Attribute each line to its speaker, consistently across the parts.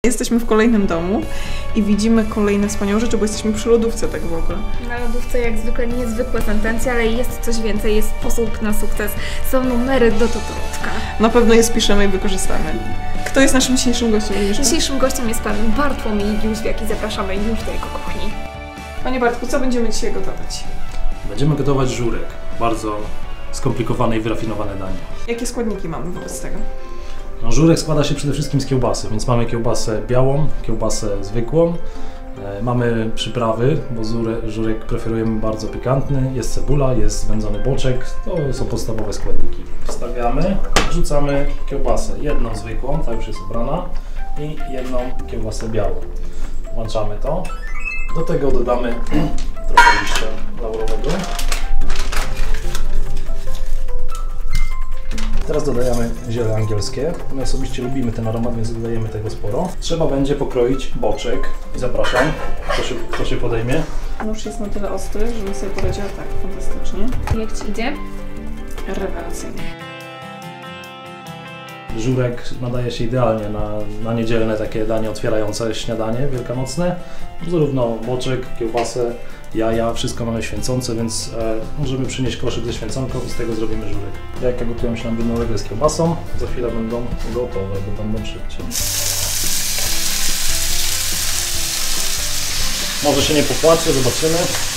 Speaker 1: Jesteśmy w kolejnym domu i widzimy kolejne wspaniałe rzeczy, bo jesteśmy przy lodówce tak w ogóle.
Speaker 2: Na lodówce jak zwykle niezwykłe sentencje, ale jest coś więcej, jest sposób na sukces. Są numery do totolotka.
Speaker 1: Na pewno je spiszemy i wykorzystamy. Kto jest naszym dzisiejszym gościem?
Speaker 2: Dzisiejszym gościem jest pan Bartłomiej Jóźwiak i zapraszamy już do jego kuchni.
Speaker 1: Panie Bartku, co będziemy dzisiaj gotować?
Speaker 3: Będziemy gotować żurek. Bardzo skomplikowane i wyrafinowane danie.
Speaker 1: Jakie składniki mamy wobec tego?
Speaker 3: No, żurek składa się przede wszystkim z kiełbasy, więc mamy kiełbasę białą, kiełbasę zwykłą. Mamy przyprawy, bo żurek preferujemy bardzo pikantny. Jest cebula, jest wędzony boczek. To są podstawowe składniki. Wstawiamy, wrzucamy kiełbasę. Jedną zwykłą, ta już jest ubrana, i jedną kiełbasę białą. Włączamy to. Do tego dodamy trochę liścia laurowego. Teraz dodajemy ziele angielskie. My osobiście lubimy ten aromat, więc dodajemy tego sporo. Trzeba będzie pokroić boczek i zapraszam, kto się podejmie.
Speaker 1: Nóż jest na tyle ostry, żeby sobie poradziła tak fantastycznie.
Speaker 2: Jak Ci idzie?
Speaker 1: Rewelacyjnie.
Speaker 3: Żurek nadaje się idealnie na niedzielne takie danie otwierające śniadanie wielkanocne. Zarówno boczek, kiełbasę, jaja, wszystko mamy święcące, więc możemy przynieść koszyk ze święconką i z tego zrobimy żurek. Jajka gotują się nam równolegle z kiełbasą. Za chwilę będą gotowe, bo będą szybciej. Może się nie popłacie, zobaczymy.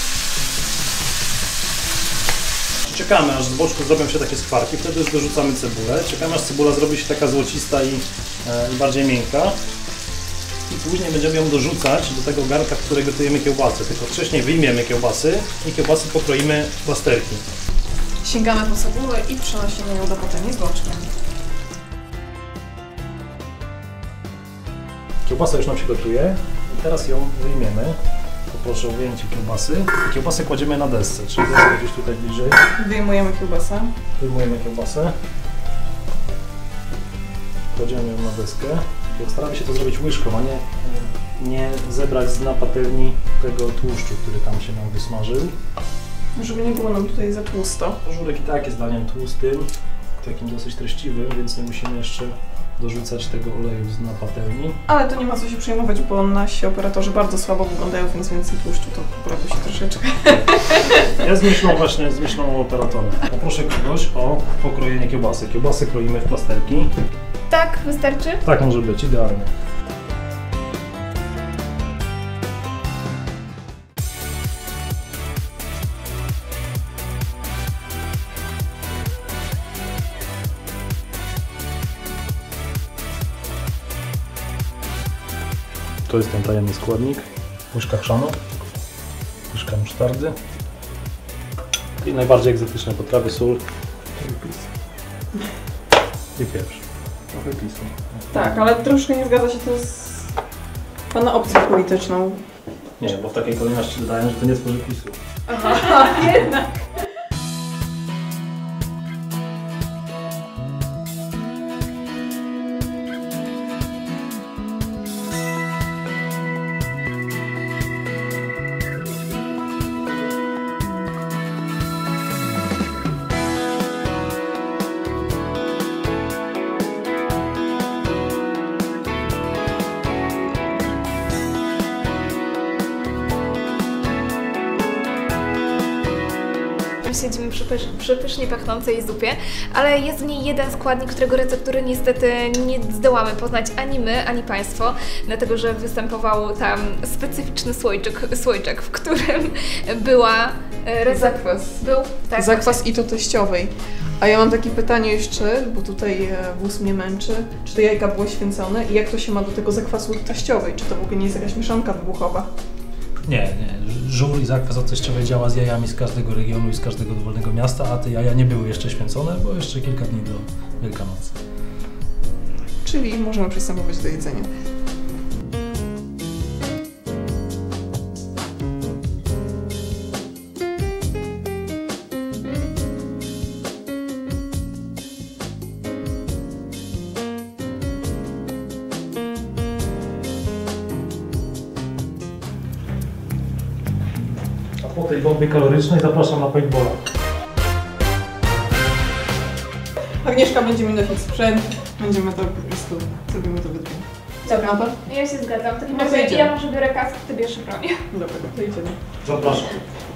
Speaker 3: Czekamy, aż z boczku zrobią się takie skwarki, wtedy już dorzucamy cebulę. Czekamy, aż cebula zrobi się taka złocista i bardziej miękka. I później będziemy ją dorzucać do tego garnka, w którym gotujemy kiełbasę. Tylko wcześniej wyjmiemy kiełbasy i kiełbasy pokroimy w plasterki.
Speaker 1: Sięgamy po cebulę i przenosimy ją do patelni z boczkiem.
Speaker 3: Kiełbasa już nam się gotuje i teraz ją wyjmiemy. Poproszę o wyjęcie kiełbasy. Kiełbasę kładziemy na desce, czyli deska gdzieś tutaj bliżej.
Speaker 1: Wyjmujemy kiełbasę.
Speaker 3: Wyjmujemy kiełbasę. Kładziemy ją na deskę. Staramy się to zrobić łyżką, a nie zebrać z dna patelni tego tłuszczu, który tam się nam wysmażył.
Speaker 1: Żeby nie było nam tutaj za tłusto.
Speaker 3: Żurek i tak jest daniem tłustym, takim dosyć treściwym, więc nie musimy jeszcze dorzucać tego oleju z dna patelni.
Speaker 1: Ale to nie ma co się przejmować, bo nasi operatorzy bardzo słabo wyglądają, więc więcej tłuszczu to poprawi się troszeczkę.
Speaker 3: Ja z myślą operatora. Poproszę kogoś o pokrojenie kiełbasy. Kiełbasy kroimy w plasterki.
Speaker 2: Tak, wystarczy?
Speaker 3: Tak może być, idealnie. To jest ten tajemny składnik. Łyżka chrzanu, łyżka musztardy i najbardziej egzotyczne potrawy, sól i pieprz. Trochę pisu.
Speaker 1: Tak, ale troszkę nie zgadza się to z Pana opcją polityczną.
Speaker 3: Nie, bo w takiej kolejności dodają, że to nie tworzy PiS-u.
Speaker 1: Aha, jednak.
Speaker 2: Siedzimy przy pysznie pachnącej zupie, ale jest w niej jeden składnik, którego receptury niestety nie zdołamy poznać ani my, ani Państwo, dlatego że występował tam specyficzny słoiczek, w którym była
Speaker 1: zakwas.
Speaker 2: Tak,
Speaker 1: zakwas i to teściowej. A ja mam takie pytanie jeszcze, bo tutaj wóz mnie męczy. Czy te jajka były święcone i jak to się ma do tego zakwasu teściowej? Czy to w ogóle nie jest jakaś mieszanka wybuchowa?
Speaker 3: Nie. Żur i zakwas od teściowej działa z jajami z każdego regionu i z każdego dowolnego miasta, a te jaja nie były jeszcze święcone, bo jeszcze kilka dni do Wielkanocy.
Speaker 1: Czyli możemy przystępować do jedzenia.
Speaker 3: Po tej bombie kalorycznej zapraszam na paintballa.
Speaker 1: Agnieszka będzie mi nosić sprzęt, będziemy to po prostu, zrobimy to we dwie.
Speaker 2: Dobra,
Speaker 1: No to?
Speaker 2: ja się zgadzam. W takim
Speaker 1: No to
Speaker 2: razie
Speaker 1: idziemy.
Speaker 2: ja może biorę kask, ty bierzesz broń.
Speaker 1: Dobra, to idziemy.
Speaker 3: Zapraszam.